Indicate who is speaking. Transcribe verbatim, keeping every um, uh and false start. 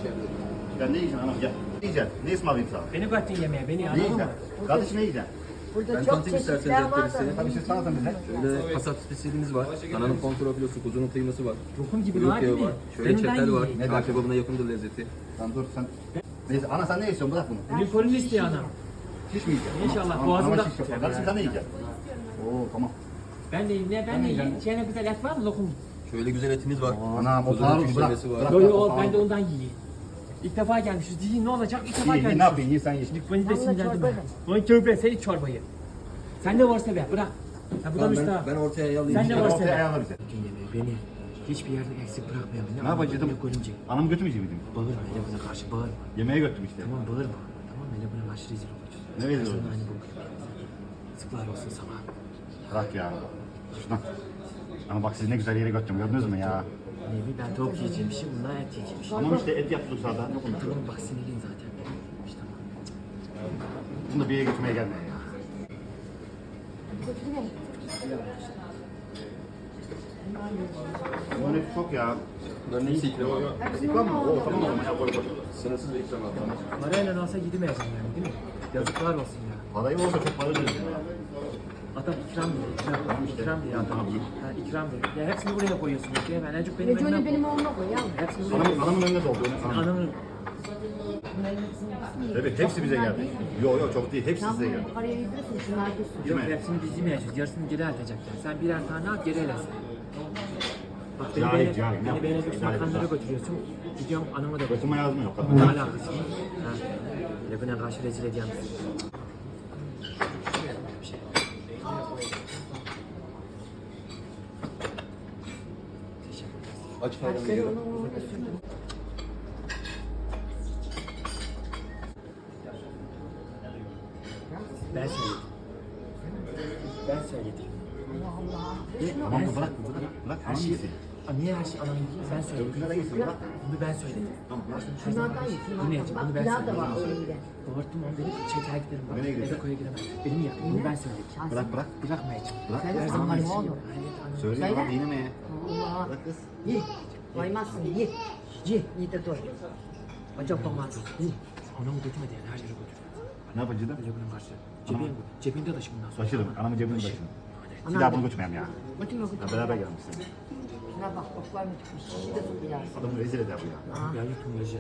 Speaker 1: Ya ne yiyeceksin anam gel. Ne yiyeceksin? Ne ısmarlayayım sana?
Speaker 2: Beni kattın yemeğe, beni
Speaker 1: Ne
Speaker 2: anladın mı?
Speaker 1: yiyeceksin? Kardeşim ne yiyeceksin?
Speaker 3: Burada
Speaker 4: Ben
Speaker 3: çok
Speaker 4: tanıtayım
Speaker 3: çeşitler
Speaker 4: isterseniz
Speaker 3: var
Speaker 4: etleri
Speaker 3: da.
Speaker 4: size.
Speaker 1: Tabii siz tanıtın bize.
Speaker 4: Şöyle kasap spesiyelimiz var. Dananın kontrol filosu, kuzunun kıyması var.
Speaker 2: Lokum gibi
Speaker 4: Kuyruk
Speaker 2: var
Speaker 4: yağı
Speaker 2: değil mi?
Speaker 4: var. Şöyle
Speaker 2: Benim ben
Speaker 4: çetel var.
Speaker 2: yiyeyim.
Speaker 4: Çağ kebabına yakındır lezzeti.
Speaker 1: Sen dur sen. Neyse ana sen ne istiyorsun bırak bunu.
Speaker 2: Glikorin istiyor anam.
Speaker 1: Şiş mi yiyeceksin?
Speaker 2: İnşallah,
Speaker 1: Anam-
Speaker 2: boğazımda
Speaker 1: anama şiş yapar.
Speaker 2: tutacağım
Speaker 1: Kardeşim
Speaker 2: ya.
Speaker 1: sen ne yiyeceksin? Oo tamam.
Speaker 2: Ben de yiyeyim, ne ben de yiyeyim. Şeyine güzel et var mı lokum?
Speaker 4: Şöyle güzel etimiz var.
Speaker 1: Anam o
Speaker 4: Kuzunun
Speaker 1: pahalı bırak.
Speaker 4: küşlemesi var.
Speaker 1: Bırak,
Speaker 2: Yo
Speaker 1: bırak,
Speaker 2: yo
Speaker 1: o
Speaker 2: o
Speaker 1: pahalı.
Speaker 2: ben de ondan yiyeyim. İlk defa gelmişiz. Değil ne olacak? İlk defa
Speaker 1: İyi, iyi, ne
Speaker 2: gelmişiz.
Speaker 1: yapayım iyi sen ye.
Speaker 2: Şimdi beni de
Speaker 3: Vallahi
Speaker 2: sinirlendim
Speaker 3: çorba
Speaker 2: ben. Lan köpek sen iç çorbayı. Sen de varsa be bırak. Ya bu da
Speaker 4: Tamam,
Speaker 2: müstahak.
Speaker 4: ben, ben ortaya ayarlayayım.
Speaker 2: Sen de
Speaker 1: Sen
Speaker 2: varsa
Speaker 1: ortaya
Speaker 2: be.
Speaker 1: ayarla bize.
Speaker 2: Bütün yemeği beni hiçbir yerde eksik bırakmayalım.
Speaker 1: Ne yapacaktım?
Speaker 2: Görünce.
Speaker 1: Anamı götürmeyecek miydim?
Speaker 2: Bağırma hele buna karşı bağırma.
Speaker 1: Yemeğe götürdüm işte.
Speaker 2: Tamam bağırma. Tamam hele buna karşı rezil olacağız.
Speaker 1: Ne rezil
Speaker 2: Sonra
Speaker 1: olacağız?
Speaker 2: Hani bu sıklar olsun sana.
Speaker 1: Bırak ya. Şuradan. Ama bak siz ne güzel yere götürdüm gördünüz mü ya?
Speaker 2: Ne bileyim ben tavuk yiyeceğimmişim bunlar et yiyeceğimmişim.
Speaker 1: Tamam işte et yaptık zaten. Yok onda.
Speaker 2: Tamam bak sinirliyim zaten. İşte tamam.
Speaker 1: Bunu da bir yere götürmeye gelme ya. Bunların hepsi çok ya.
Speaker 4: Bunların hepsi ikram abi.
Speaker 1: İkram mı? Oo tamam o zaman koy koy.
Speaker 4: Sınırsız bir ikram abi.
Speaker 2: Parayla olsa gidemeyeceğim yani değil mi? Yazıklar olsun ya.
Speaker 1: Parayı olsa çok para verirsin ya.
Speaker 2: Adam ikram diyor, ikram, ikram diyor adam. Ha, ikram diyor. Ya hepsini buraya koyuyorsun. Ya ben Ecuk benim
Speaker 3: Neconi
Speaker 2: önüme
Speaker 3: benim
Speaker 2: koy.
Speaker 3: oğluma koy ya.
Speaker 2: Hepsini buraya
Speaker 1: Anamın,
Speaker 2: koy.
Speaker 1: anamın önünde doldu. Anam.
Speaker 2: Anamın
Speaker 1: Evet hepsi bize geldi. Yok yok çok değil hepsi
Speaker 3: Sen
Speaker 1: size geldi.
Speaker 3: bunu paraya yedirirsin şunlar dursun.
Speaker 2: yok
Speaker 1: Kime?
Speaker 2: hepsini biz yemeyeceğiz. Yarısını geri atacaklar. Sen birer tane at geri elesin. Bak beni
Speaker 1: Cahil,
Speaker 2: beğenip,
Speaker 1: cahil, ne
Speaker 2: beni
Speaker 1: yapıyorsun?
Speaker 2: beğenip
Speaker 1: Cahil,
Speaker 2: makamlara
Speaker 1: cahil.
Speaker 2: götürüyorsun. Gidiyorum anama da
Speaker 1: Götürme
Speaker 2: götürüyorum.
Speaker 1: yazmıyor.
Speaker 2: Ne
Speaker 1: Kadın.
Speaker 2: alakası var? Ha. Lebine karşı rezil edeceğim sizi. Bir şey. Teşekkür ederim.
Speaker 4: Aç ayran
Speaker 3: Ben
Speaker 4: veriyorum.
Speaker 3: onu orada sürdüm.
Speaker 2: Ben söyledim. Ben söyledim.
Speaker 3: Allah Allah.
Speaker 2: Ne?
Speaker 1: Tamam
Speaker 2: Ben
Speaker 1: bırak
Speaker 2: söyledim.
Speaker 1: bırak bırak.
Speaker 2: Her
Speaker 1: Anam
Speaker 2: şey,
Speaker 1: yesin.
Speaker 2: Aa, niye her şey anam yiyor? Ben söyledim.
Speaker 1: Öbürküne de yesin bırak.
Speaker 2: Bunu ben söyledim.
Speaker 1: Tamam bırak.
Speaker 3: Şunlardan ye.
Speaker 2: Yine
Speaker 3: Şunlardan.
Speaker 2: yiyeceğim.
Speaker 3: Bak
Speaker 2: Bunu ben
Speaker 3: pilav da
Speaker 2: söyledim.
Speaker 3: var önünde.
Speaker 2: Doğurttum onu beni çeker giderim. Bak.
Speaker 1: Nereye gidiyorsun?
Speaker 2: Eve koya gidemem. Benim yakın. Bunu ben söyledim.
Speaker 1: Bırak bırak.
Speaker 2: Bırakmayacağım.
Speaker 1: Bırak.
Speaker 3: Söyle
Speaker 2: Her
Speaker 3: sana
Speaker 2: zaman
Speaker 3: ne
Speaker 2: şey.
Speaker 3: olur?
Speaker 1: Söyle
Speaker 3: Söyle.
Speaker 1: bak yine mi?
Speaker 3: Allah.
Speaker 1: Bırak kız.
Speaker 3: Ye. Vaymazsın ye. Ye. Ye de dur. Acaba olmaz. Ye.
Speaker 2: Anamı götürmedi yani her yere götürdü.
Speaker 1: Ne yapacaksın?
Speaker 2: Öyle bunun karşı. Cebin, cebinde taşı bundan sonra.
Speaker 1: Taşırım. Anamın cebini taşırım. Bir
Speaker 3: Anam.
Speaker 1: daha bunu götürmeyeyim ya.
Speaker 3: Götürme
Speaker 1: Ya
Speaker 3: götürme.
Speaker 1: beraber gelmişsin.
Speaker 3: Şuna bak oklar mı çıkmış. Şişi de tuttu ya.
Speaker 1: Adamı rezil eder bu ya.
Speaker 2: Ya yutun